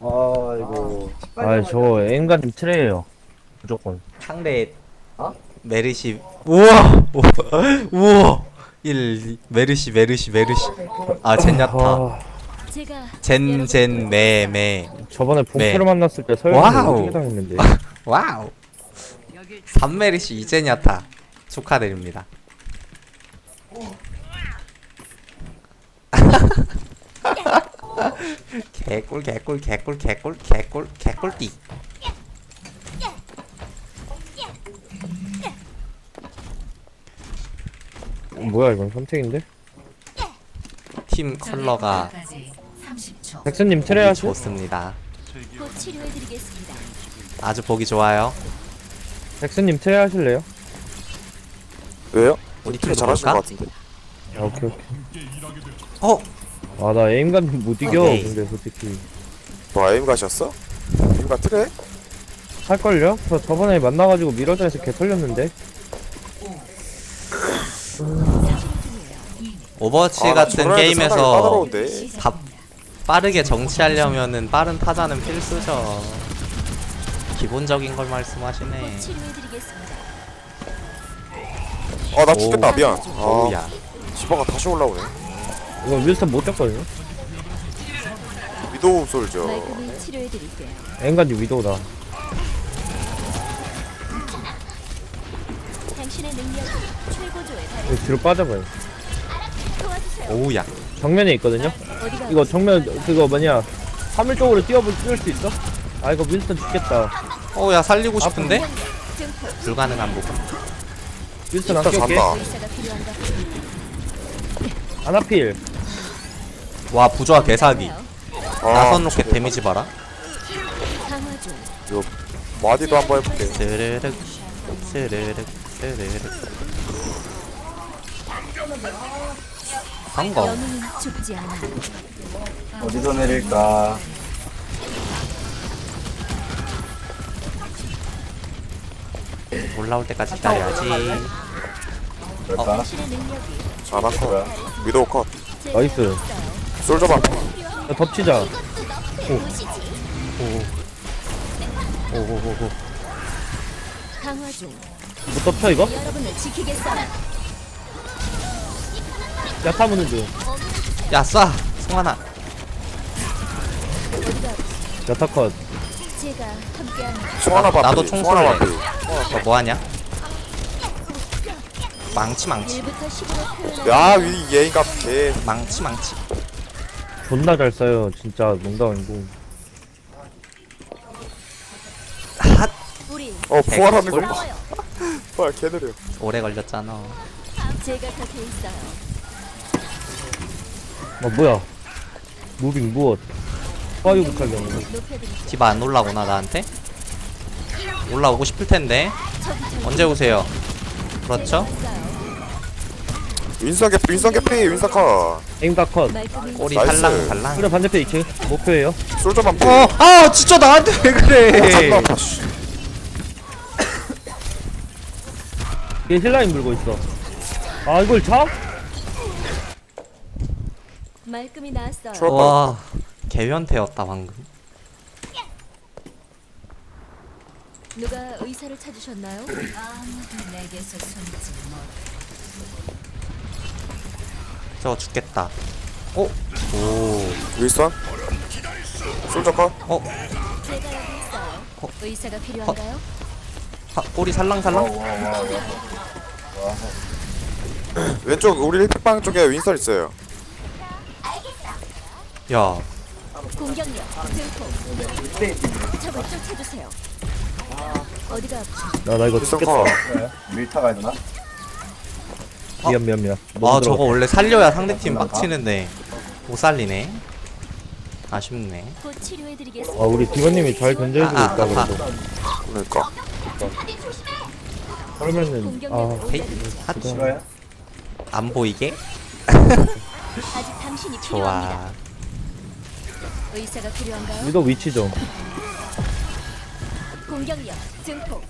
아이고. 아, 저 인간님 트레예요. 무조건. 상대 메르시. 우와 우와 1 메르시 아 젠야타 아, 젠 메메 저번에 네. 봉표를 만났을 때 설마 와우. 어떻게 당했는데. 와우 3메르시 이젠야타 축하드립니다. 개꿀띠. 뭐야, 이건 선택인데? 팀 컬러가 백선님 트레 하시? 좋습니다. 곧 치료해드리겠습니다. 아주 보기 좋아요. 백선님 트레 하실래요? 왜요? 우리 되게 팀 잘하시는 볼까? 것 같은데. 아, 오케이, 오케이. 어? 아, 나 에임감님 못 이겨. 오케이. 근데 솔직히. 뭐 에임 가셨어? 에임 같으래? 할걸요? 저 저번에 만나가지고 미러전에서 개 털렸는데. 오버워치 아, 같은 저런 애들 상당히 게임에서 까다로운데. 빠르게 정치하려면은 빠른 타자는 필수죠. 기본적인 걸 말씀하시네. 치료해드리겠습니다. 나 죽겠다. 미안. 오우야. 디바가 다시 올라오네. 이거 윌슨 못 잡거든요? 위도우 솔저. 말끔히 치료해드릴게요. 에임감님 위도우다. 당신의 능력이 최고조에 달해 이거 뒤로 빠져봐요. 도와주세요. 오우야. 정면에 있거든요? 어디가 이거 정면, 그거 뭐냐. 화물 쪽으로 뛰을 수 있어? 아, 이거 윌슨 죽겠다. 오야 살리고 싶은데? 증폭 불가능한 부분. 윌슨 안 진짜 껴올게. 잔다. 의사가 필요한가? 아나필. 와 부조화 개사기. 나선 로켓 저거. 데미지 봐라. 강화 중. 요 마디도 한번 해볼게. 스르륵 스르륵 성공. 영웅은 죽지 않아. 어디서 내릴까? 올라올 때까지 기다려야지. 그럴까? 당신의 능력이 아나 컷. 위도우 컷. 제가 나이스. 있어요. 솔저 반. 야, 덮치자. 오오오오. 강화 중. 못 덮쳐, 이거? 여러분을 지키겠어요. 야타 무는 중. 야 쏴. 송하나. 야타 컷. 제가 함께합니다. 송하나 반. 나도 총 송하나 쏠래. 반. 너 뭐하냐? 망치 1부터 10으로 표현하는 야, 위 예인갑 개. 망치. 존나 잘 써요. 진짜 농담 아니고. 핫. 우리 부활하는 거 개꿀? 봐. 싸워요. 부활 개 느려. 오래 걸렸잖아. 제가 곁에 있어요. 뭐야. 무빙 무엇. 파이브 칼경. 높여드리죠. 디바 안 올라오나 나한테? 올라오고 싶을 텐데. 언제 오세요? 그렇죠? 윈선 개피, 윈선 개피, 윈선 컷. 에임다 컷. 말끔히 꼬리 나이스. 달랑. 그래, 반대편 2층. 목표예요. 솔저 반 피. 아 진짜 나한테 왜 그래? 잠깐만. 씨. 얘 힐라인 물고 있어. 아, 이걸 잡? 말끔히 나았어요. 추월. 와 개변태였다 방금. 누가 의사를 찾으셨나요? 아무도 내게서 숨지 못. 저거 죽겠다. 오. 윈선. 솔저 컷. 제가 여기 있어요. 의사가 필요한가요? 꼬리 살랑살랑. 왼쪽 우리 힐팩방 쪽에 윈선 있어요. 야 공격력 증폭. 적을 쫓아주세요. 어디가 아프죠? 나 이거 윈선 죽겠다. 컷. 밀타 가야 되나? 미안. 아 저거 원래 살려야 상대팀 빡치는데 못 살리네. 아쉽네. 곧 치료해드리겠습니다. 아, 우리 디바님이 잘 견제해주고 아, 있다, 아, 그래도. 그러니까. 그러면은, 공격력 헤이 올려드리죠. 핫. 싫어요? 안 보이게. 아직 당신이 필요합니다. 좋아. 의사가 필요한가요? 위도 위치 좀. 공격력 증폭.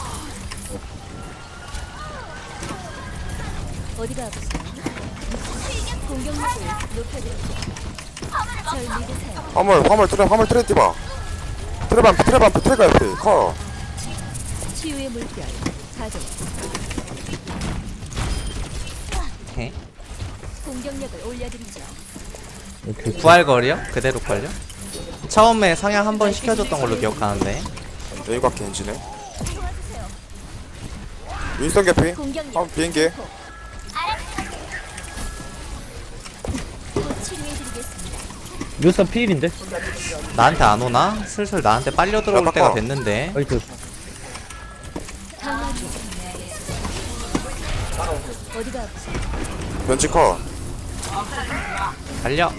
어디가 아프세요? 공격력을 높여드리죠. 절 믿으세요. 화물 트레 띠봐. 트레반프 트레가 옆에 커. 치유의 물결 가동. 오케이. 공격력을 올려드리죠. 이렇게 부활거리요? 그대로 걸려? 처음에 상향 한번 시켜줬던 걸로 기억하는데. 여기가 겐지네. 윈스턴 개피. 공격력 비행기. 곧 치료해드리겠습니다. 묘사 피일인데? 나한테 안 오나? 슬슬 나한테 빨려 들어올 야, 때가 바꿔. 됐는데. 아이고 강화 중. 어디가 아프세요? 변치 커. 달려.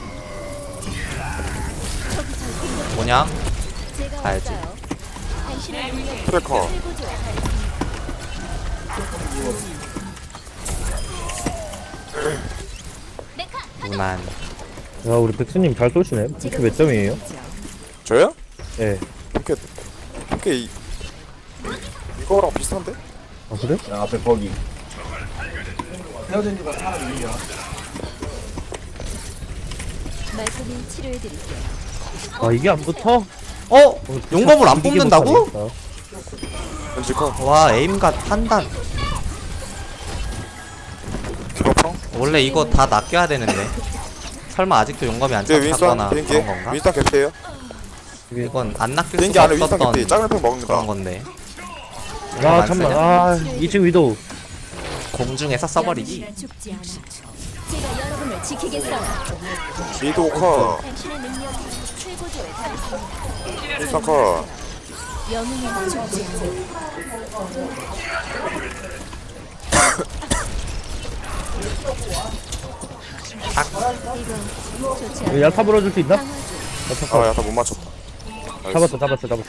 뭐냐? 제가 가야지. 왔어요. 당신의 능력이 트레 커. 최고조에 무난. 야 우리 백수님 잘 쏘시네. 이렇게 몇 점이에요? 저요? 예. 이렇게 이거랑 비슷한데? 아 그래? 야, 앞에 거기. 헤어진 지가 사람 이야. 말끔히 치료해드릴게요. 아 이게 안 붙어? 어? 용검을 안 이게 뽑는다고? 못하겠다. 변치 커. 와, 에임갓 판단. 디버펑. 원래 이거 다 낚여야 되는데. 설마 아직도 용검이 안 뒤에 윈스턴 잡혔거나 비행기. 그런 건가? 윈스턴 개피에요. 이건 안 낚일 비행기 수가 안에 윈스턴 없었던 개피. 작은 팽 먹는다. 그런 건데. 아 안 잠만. 쓰냐? 아 2층 위도우. 공중에서 써버리기. 죽지 않아. 제가 여러분을 지키겠어요. 미도 커. 당신의 능력이 최고조에 달했습니다. 윈스턴 커. 영웅은 죽지 않아. 이거 좋지 않아. 야타 불어줄 수 있나? 강화 중. 아, 야다 못 맞췄다. 잡았어.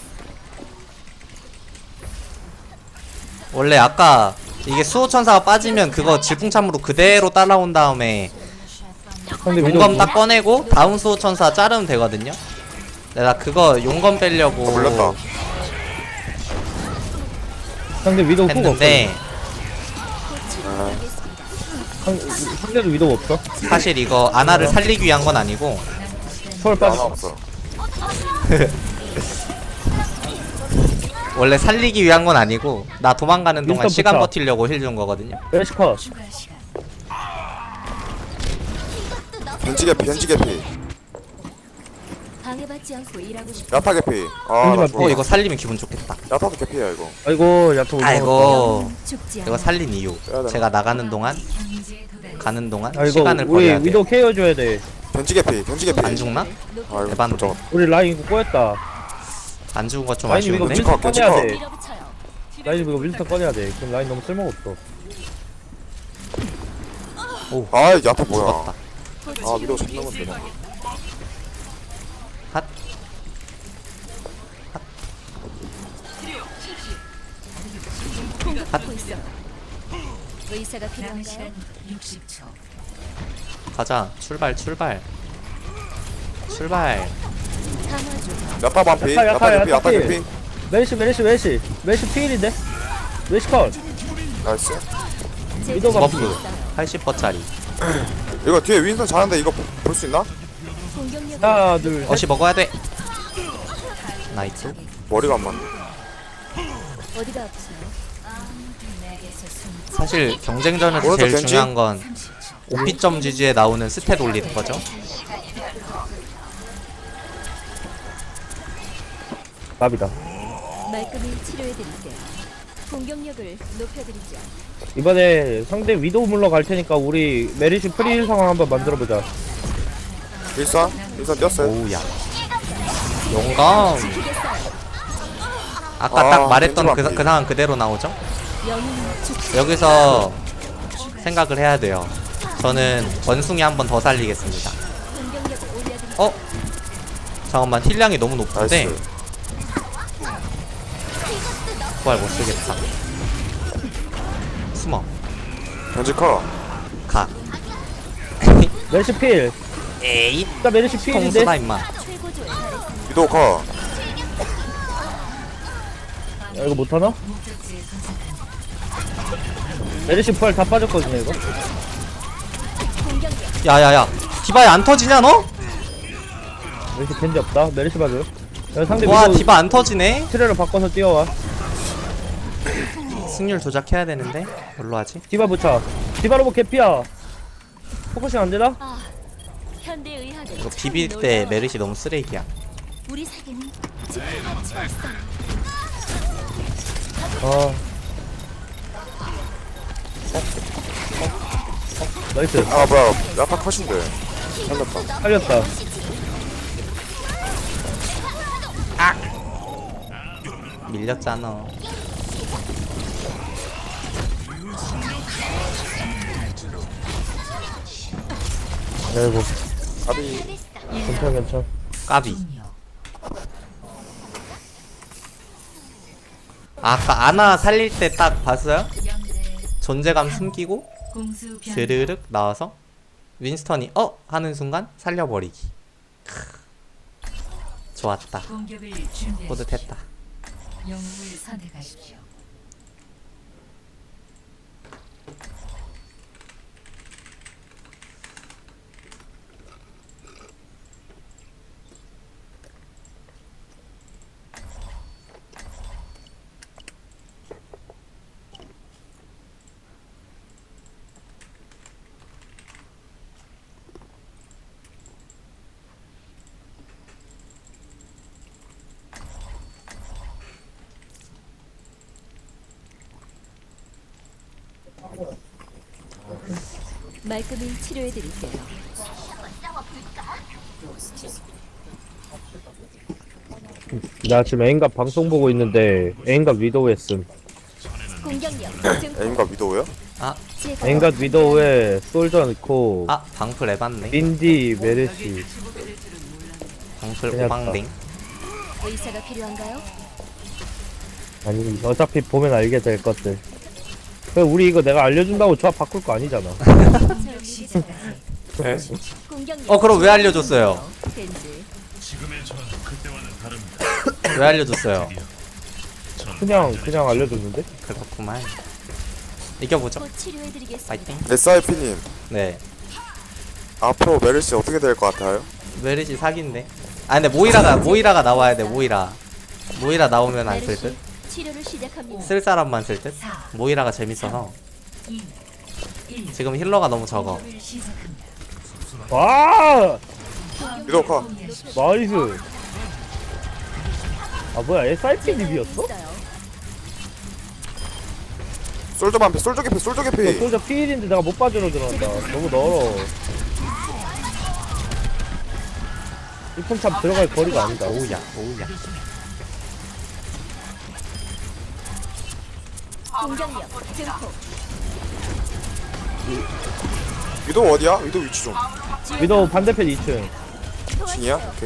원래 아까 이게 수호천사가 빠지면 그거 질풍참으로 그대로 따라온 다음에 상대 용검 위도우. 딱 꺼내고 다음 수호천사 자르면 되거든요. 내가 그거 용검 빼려고 몰랐다. 상대 위도우 후가 없어. 했는데 곧 치료해드리겠습니다. 상대도 위도우 없어? 사실 이거 아나를 살리기 위한 건 아니고 서울 하나 빠졌어. 없어. 원래 살리기 위한 건 아니고 나 도망가는 동안 윈스턴 시간 부터. 버티려고 힐 준 거거든요. 웨시커. 변치 개피. 방해받지 않고 일하고 싶어. 야타 개피. 아, 나 변치 죽어. 이거 살리면 기분 좋겠다. 야타도 개피야 이거. 아이고 야타 올라갔다. 아이고 죽지 않아. 이거 살린 이유 제가 나가는 동안 아이고 시간을 우리 버려야 돼. 위도우 케어 줘야 돼. 변치 개피. 안 죽나? 아이고 대박. 저거. 우리 라인 이거 꼬였다. 안 죽은 거 좀 라인 이거 아쉬운데? 윈스턴 겐지 꺼내야 컷. 돼. 밀어붙여요. 라인 이거 윈스턴 꺼내야 돼. 그럼 라인 너무 쓸모가 없어. 아, 야타 뭐야? 죽었다. 아, 미도 잡는 건데. 핫. 공격받고 있어. 의사가 필요한가요? 가자. 출발. 강화 중. 야타 반피. 야타, 야타 개피. 야타 야타 피. 개피. 메시 피일인데? 메시 컷. 나이스. 제 위도우가 버프 있어요. 80%짜리. 이거 뒤에 윈스턴 자는데 이거 볼 수 있나? 공격력 하나 둘 셋. 어시 먹어야 돼. 나이스. 머리가 안 맞네. 어디가 아프세요? 사실 경쟁전에서 오른쪽 제일 겐지? 중요한 건 오피점 지지에 나오는 스탯 올리는 거죠. 답이다. 말끔히 치료해드릴게요. 공격력을 높여드리죠. 이번에 상대 위도우 물러갈 테니까 우리 메리시 프리힐 상황 한번 만들어보자. 윈스턴 뛰었어요. 오우야. 용감. 지키겠어요. 아까 아, 딱 말했던 겐지 그 맞기. 상황 그대로 나오죠? 영웅은 죽지 여기서 생각을 해야 돼요. 저는 원숭이 한 번 더 살리겠습니다. 공격력을 올려드리죠. 어? 잠깐만 힐량이 너무 높은데 나이스. 부활 못 쓰겠다. 숨어. 변치 커. 가. 메리시 필. 에이. 나 메리시 필인데? 통수다 임마. 최고조에 달했습니다. 미도 커. 야, 이거 못하나? 메리시 부활 다 빠졌거든요 이거. 공격력 야야야 디바야 안 터지냐 너? 메르시 겐지 없다. 메르시 봐줘. 야, 상대 와 미도 디바 안 터지네. 트레를 바꿔서 뛰어와. 승률 조작해야 되는데 뭘로 하지? 디바 붙여. 디바 로봇 개피야. 포커싱 안 되나? 아, 현대 의학은 이거 참 비빌 때 놀라워요. 메르시 너무 쓰레기야. 우리 세계는 지금같이 왔어요. 아. 나이스. 아 뭐야 야타 컷인데 살렸다. 살렸다. 밀렸잖아. 아이고. 아비 괜찮. 까비. 아까 아나 살릴 때 딱 봤어요? 존재감 숨기고 스르륵 나와서 윈스턴이 하는 순간 살려버리기. 좋았다. 뿌듯했다. 영웅을 선택하십시오. 말끔히 치료해드릴게요. 나 지금 애인갑 방송 보고 있는데 애인갑 위도우 했음. 공격력 증폭. 에임과 위도우요? 제거. 애인갑 위도우에 솔저 넣고 방풀 에반네. 린디 메르시. 방풀 그냥 오방댕. 의사가 필요한가요? 아니 어차피 보면 알게 될 것들. 그래 우리 이거 내가 알려준다고 조합 바꿀 거 아니잖아. 네. 공격력. 그럼 왜 알려줬어요? 겐지. 왜 알려줬어요? 그냥 알려줬는데? 그렇구만. 이겨보죠. 곧 치료해드리겠습니다. 파이팅. SIP님 네. 앞으로 메르시 어떻게 될 것 같아요? 메르시 사기인데. 근데 모이라가 나와야 돼. 모이라 나오면 안 쓸 듯. 치료를 시작합니다. 쓸 사람만 쓸 듯. 모이라가 재밌어서. 지금 힐러가 너무 적어. 와 위도우 컷. 나이스. 아 뭐야 SIP 립이었어? 솔저 반피 솔저 개피 솔저 개피. 솔저 피일인데 내가 못 빠져로 들어간다. 너무 멀어. 이품참 들어갈 거리가 아니다. 오우야. 공격력 증폭. 위도우 어디야? 위도우 위치 좀. 위도우 반대편 2층. 진이야? 오케이.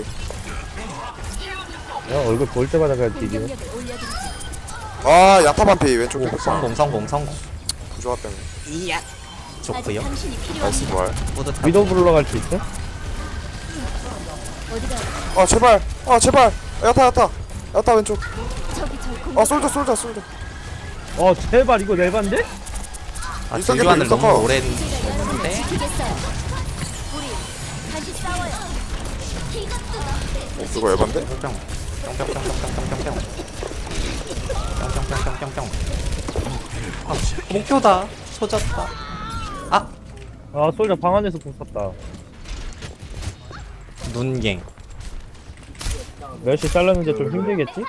야 얼굴 볼 때마다 그냥 뒤지네. 공격력을 올려드리죠. 아 야타 반피 왼쪽 개피. 성공. 부조화 때문에. 아직 좋고요. 당신이 나이스 필요합니다. 부활. 뿌듯하고. 위도우 불러 갈 수 있어? 어디가? 아 제발. 야타 왼쪽. 저기 저 공격. 솔저. 제발 이거 내반데? 일선 딜교환을 개피, 일선 너무 컷. 오래 제가 여러분을 했는데. 지키겠어요. 우리 다시 싸워요. 이것도 이거 에반데? 뿅뿅뿅뿅뿅뿅뿅뿅뿅뿅뿅뿅뿅뿅. 목표다. 초졌다. 아 솔저 방 안에서 공 쐈다. 눈갱. 멸시 잘랐는데 좀 힘들겠지?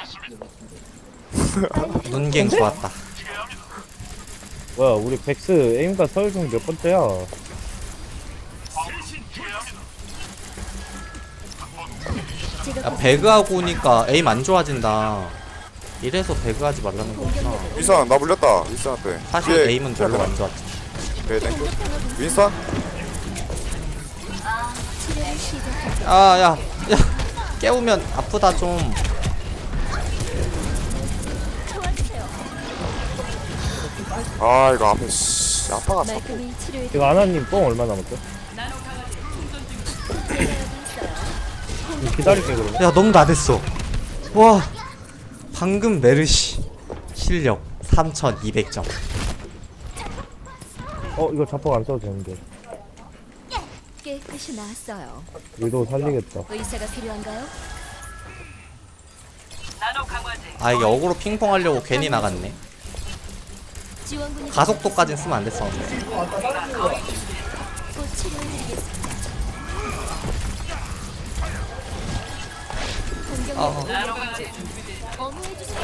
눈갱 좋았다. 뭐야 우리 백스 에임과 서울 중 몇 번째야? 제가 배그하고 오니까 에임 안 좋아진다. 이래서 배그하지 말라는 거구나. 윈선 나 물렸다. 윈선한테. 사실 뒤에 에임은 별로 안 좋았지. 네 땡큐. 윈선? 치료를 시작합니다. 야, 깨우면 아프다 좀. 도와주세요. 아 이거 앞에 야타가 참. 말끔히 치료해 이거 아나님 뽕 얼마 남았어? 기다릴게 그러면. 야, 너무 나댔어. 와, 방금 메르시 실력 3200점. 이거 자폭 안 써도 되는데. 깨끗이 나았어요. 위도 살리겠다. 의사가 필요한가요? 아 이게 어그로 핑퐁 하려고 괜히 나갔네. 지원군이 가속도까진 쓰면 안 됐었는데. 곧 치료해드리겠습니다. 공격력 어무해주세요.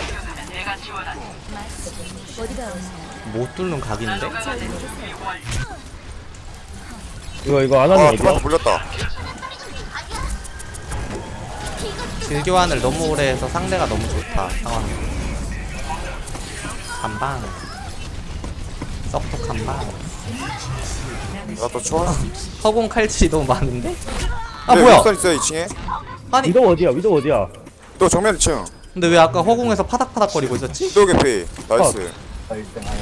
어디가 아프세요? 못 뚫는 각인데? 잘 믿으세요. 이거 안 하는 아 어디야? 디바한테 물렸다. 딜교환을 너무 오래 해서 상대가 너무 좋다 상황. 한방 썩톡 한방. 나또 좋아. 허공 칼질이 너무 많은데? 아 네, 뭐야? 윈스턴 있어요 2층에. 아니 위도 어디야? 위도 어디야? 또 정면 2층. 근데 왜 아까 허공에서 파닥파닥거리고 있었지? 또 개피. 나이스. 나 1등 하네.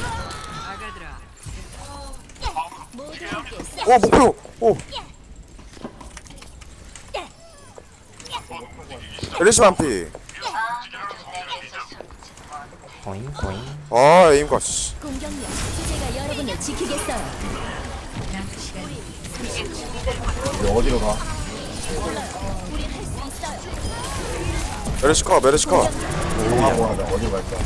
모두 함께 오 목표. 오. 엘리시 반피. 고잉 고잉. 아 에임과 씨. 공격력 제가 여러분을 지키겠어요. 우리 어디로 가? 우리 할 수 있어요. 메르시카 메르시카. 하고 하자. 어디로 갈까?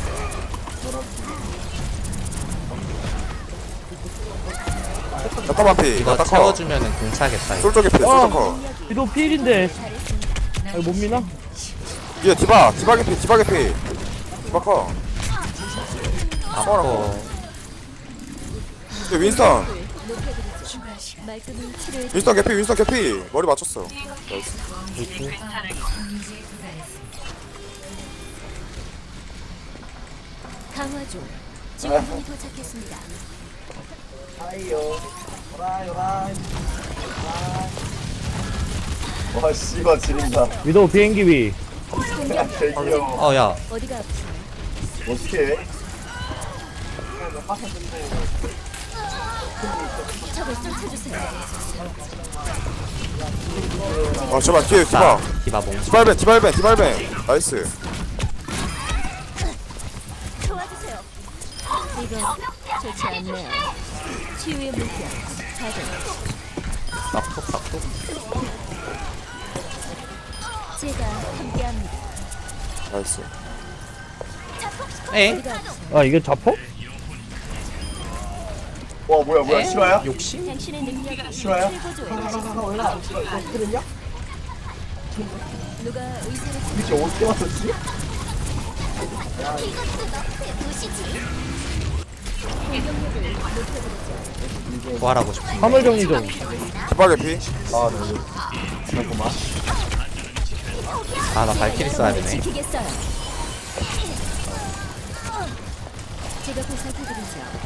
야타 반피. 이거 야타 커. 채워주면은 공차겠다 이거. 솔저 개피. 솔저 커. 위도 필인데. 아, 못 미나? 뒤에 디바. 디바 개피. 디바 개피. 디바 커. 아퍼. 뒤에 윈스턴. 높여드리죠. 말끔히 치료해. 윈스턴 개피. 윈스턴 개피. 머리 맞췄어. 나이스. 강화 중. 지원군이 도착했습니다. 와 씨발 지린다. 위도 비행기 위. 되게 귀여워. 어야 어디가 아프세요? 어떻게? 적을 쫓아주세요. 아 제발 뒤에 디바. 나 디바봉. 디발벤 디발벤 디발벤. 나이스. 도와주세요. 이거 좋지 않네요. 치유의 물결. 가동. 썩톡 썩톡. 제가 함께합니다. 나이스. 에? 어디가 아프세요? 아 이게 잡혀? 와 뭐야 실화야? 욕심? 당신의 능력이 싫어요? 최고조에 달했습니다. 누가 의사를 이게 어떻게 왔었지? 공격력을 높여드리죠. 부활하고 싶은데. 화물 정리 좀. 디바 개피. 아 네. 잠깐만. 아 나 발키리 써야 되네. 지키겠어요. 제가 보살펴드리죠.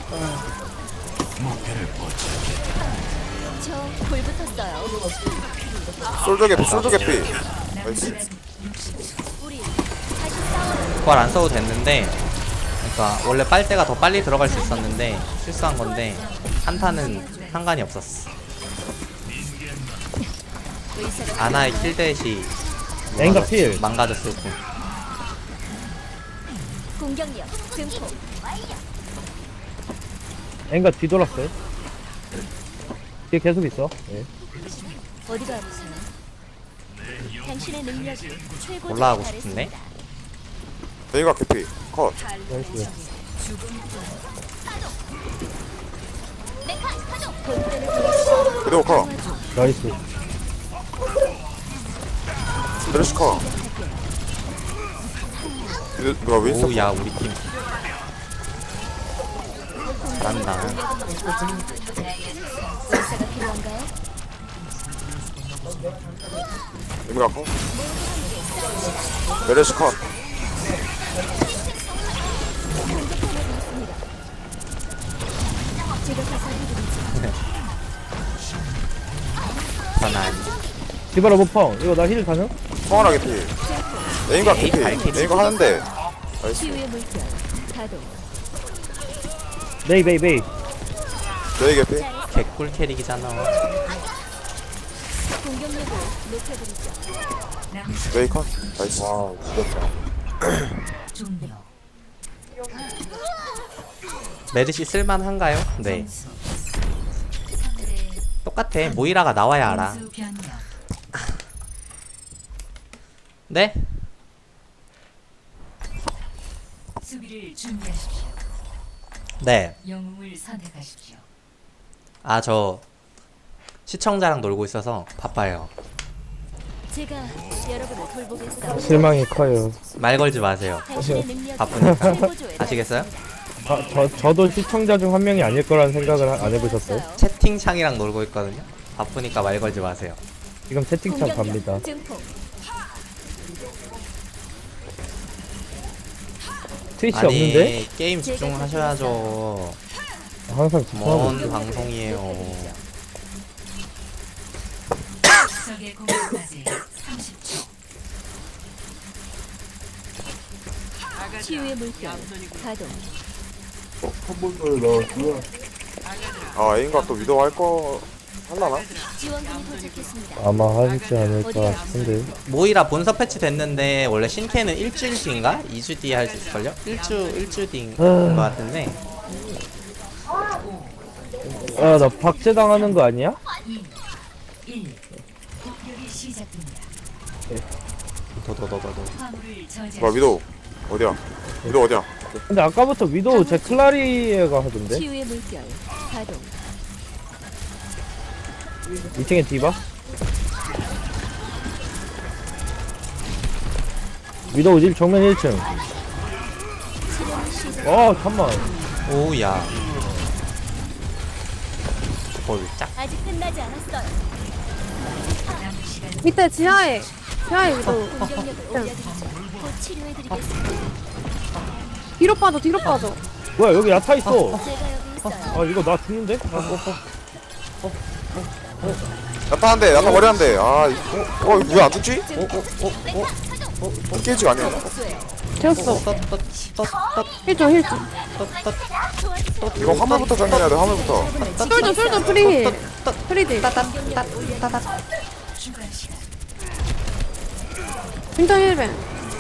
저불 붙었어요. 솔저 개피. 솔저 개피. 나이스. 우리 다시 싸워요. 부활 안 써도 됐는데, 그러니까 원래 빨대가 더 빨리 들어갈 수 있었는데 실수한 건데 한타는 상관이 없었어. 의사가 아나의 킬댓이 앵가 필. 망가졌을 뿐. 공격력 증폭. 앵가 뒤돌았어요. 뒤에 계속 있어. 예. 어디가 아프세요? 당신의 능력이 최고조에 올라가고 달했습니다. 싶은데? 베이가 개피. 컷. 나이스. 본때를 보여주세요. 그리고 커. 나이스. 메르시카. 누가 윈스턴? 오야 우리 팀 잘한다. 의사가 필요한가요? 임가 커. 메르시카. 제가 보살펴드리죠. 전환. 디바라 못펑. 이거 나 힐 가능? 성하나 개피. 에임가 개피. 발키리. 에임가 하는데. 나이스. 치유의 물결. 가동. 메이 메이 메이. 베이 개피. 개꿀 캐릭이잖아. 공격력을 높여드리죠. 베이 컷. 나이스. 와 죽였다. 종료. 메르시 쓸만한가요? 네. 3대 똑같아. 모이라가 나와야 알아. 공수 변경. 네? 수비를 준비하십시오. 네. 영웅을 선택하십시오. 아, 저 시청자랑 놀고 있어서 바빠요. 제가 여러분을 돌보겠어요. 실망이 커요. 말 걸지 마세요. 당신의 능력이 바쁘니까. 최고조에 아시겠어요? 저도 시청자 중 한 명이 아닐 거라는 생각을 안 해보셨어요? 달했어요. 채팅창이랑 놀고 있거든요. 바쁘니까 말 걸지 마세요. 지금 채팅창 갑니다. 공격력 증폭. 트위치 아니, 없는데? 게임 집중하셔야죠. 항상 집중하고 뭔 있어. 방송이에요. 적의 공격까지 30초. 치유의 물결 가동. 컴퓨터에 넣었고요. 아 A인가 또 위도 할거 할라나? 지원군이 도착했습니다. 아마 하지 않을까 싶은데. 모이라 본서 패치 됐는데 원래 신캐는 일주일 뒤인가? 2주 뒤에 할 수 있을걸요? 일주 뒤인 것 같은데. 아, 나 박제 당하는 거 아니야? 1. 공격이 시작됩니다. 도도도도도. 화물을 뭐야 저지하십시오. 위도 어디야? 위도 어디야? 근데 아까부터 위도우 제 클라리에가 하던데? 치유의 물결 가동. 2층에 디바? 위도우 집 정면 1층. 잠만. 오우야. 짝. 아직 끝나지 않았어요. 밑에 지하에 위도 공격력을 올려드리죠. 곧 치료해드리겠습니다. 뒤로 빠져 뭐야, 여기 야타 있어. 제가 여기 있어요. 아, 이거 나 죽는데? 야타 한대 야타 머리 한대 아 이거 왜 안 죽지? 깨지가 아니야 되었어 힐좀 이거 화물부터 정리해야 돼 화물부터 솔저 프리딜 추가 시간. 윈터 힐벤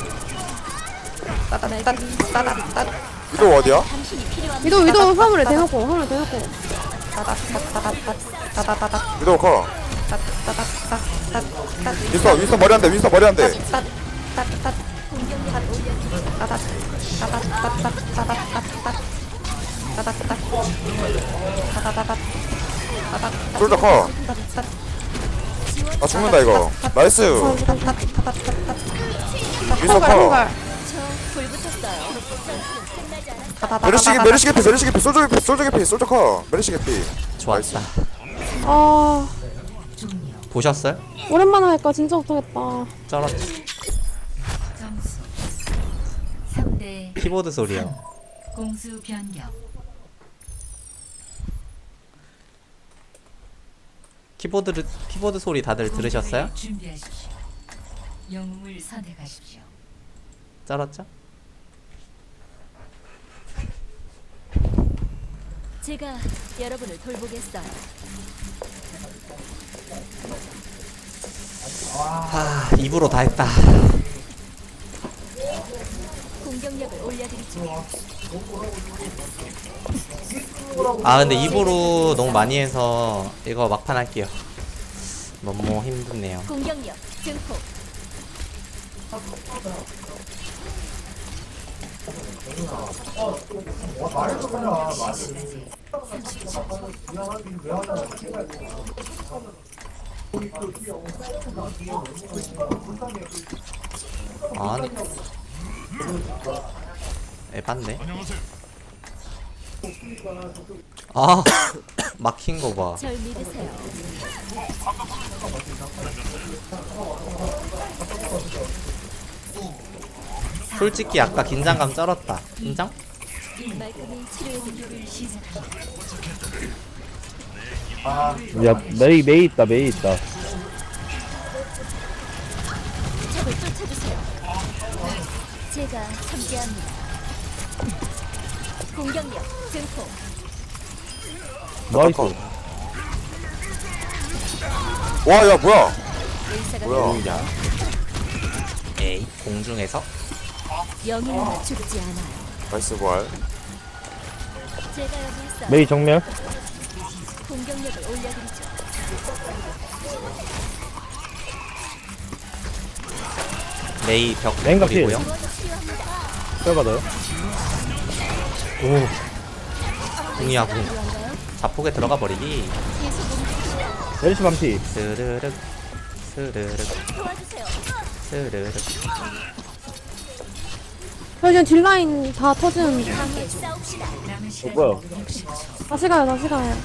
위도 어디야? 당신이 필요합니다. 위도 화물에 대놓고 위도 커 윈스턴 머리 한대 윈스턴 머리 한대 공격력을 올려드리죠. 솔저 커 아 죽는다 이거 나이스 윈스턴 커 저 불 붙었어요. 끝나지 않았어요. 메르시 개피 솔저 커 메르시 개피 좋았다. 아 보셨어요? 오랜만에 하니까 진짜 못하겠다 쩔었지. 점수 3대 키보드 소리요. 공수 변경. 키보드 소리 다들 들으셨어요? 공격을 준비하십시오. 영웅을 선택하십시오. 쩔었죠? 제가 여러분을 돌보겠어요. 입으로 다 했다. 공격력을 올려드리죠. 아 근데 입으로 너무 많이 해서 이거 막판 할게요. 너무 힘드네요. 공격력 증폭. 아니 에반데? 아 막힌 거 봐. 절 믿으세요. 솔직히 아까 긴장감 쩔었다. 인정? 말끔히 치료해드리죠. 야, 메이 있다. 적을 쫓아주세요. 제가 함께합니다. 공격력 증폭. 나이스. 와야 뭐야 의사가 뭐야. 필요합니다. 에이 공중에서 영웅은 죽지 않아요. 나이스 부활 제가 여기 있어요. 메이 정면. 공격력을 올려드리죠. 메이 벽 메인가 뿌리고요. 뼈 받아요. 궁이야 궁. 자폭에 들어가 버리기. 메르시 반피. 스르륵 스르륵 스르륵. 저 지금 딜라인 다 터지는데. 남은 시간 뭐야? 60초. 다시 가요, 다시 가요.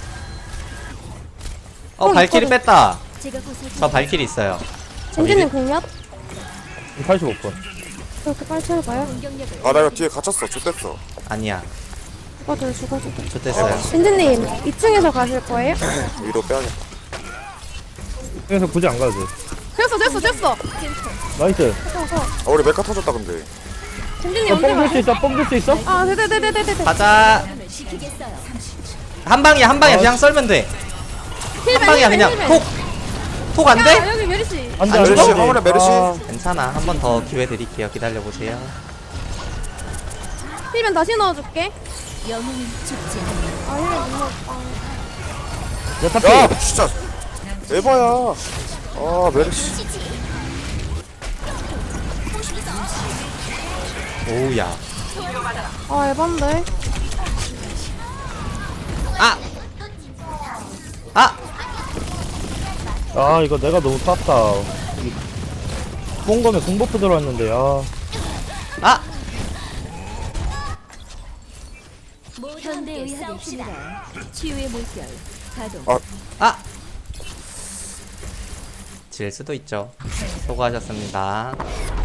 발키리 있거든. 뺐다. 제가 벗어줄 저 발키리 있어요. 젠지님 공략? 85번. 그렇게 빨리 채울까요? 공격력을 아 나 이거 뒤에 갇혔어 좆됐어. 아니야. 죽어줘요, 죽어줘요. 좋댔어요. 젠지님 2층에서 가실 거예요? 위로 빼야겠다. 그래서 굳이 안 가도 돼. 됐어. 나이스. 아 우리 메카 터졌다 근데. 젠지님 언제 뽕줄 수 가? 있어? 뽕줄 수 있어? 아, 네네네네네. 가자. 시키겠어요. 한 방이야 한 방이야. 그냥 썰면 돼. 한 방이야 그냥 톡 안 돼? 야, 여기 메리시. 안 돼, 안 안 돼. 죽어? 화물에 메르시. 괜찮아. 한 번 더 기회 드릴게요. 기다려 보세요. 힐면 다시 넣어줄게. 영웅은 죽지 않아. 아, 힐면 못 넣었다. 여타피. 야 진짜 에바야. 아 메르시. 오우야. 아, 에반데. 아! 아! 아, 이거 내가 너무 탔다. 뽕검에 공버프 들어왔는데, 아. 아! 현대의학의 힘이라 치유의 물결 가동. 아! 질 수도 있죠. 수고하셨습니다.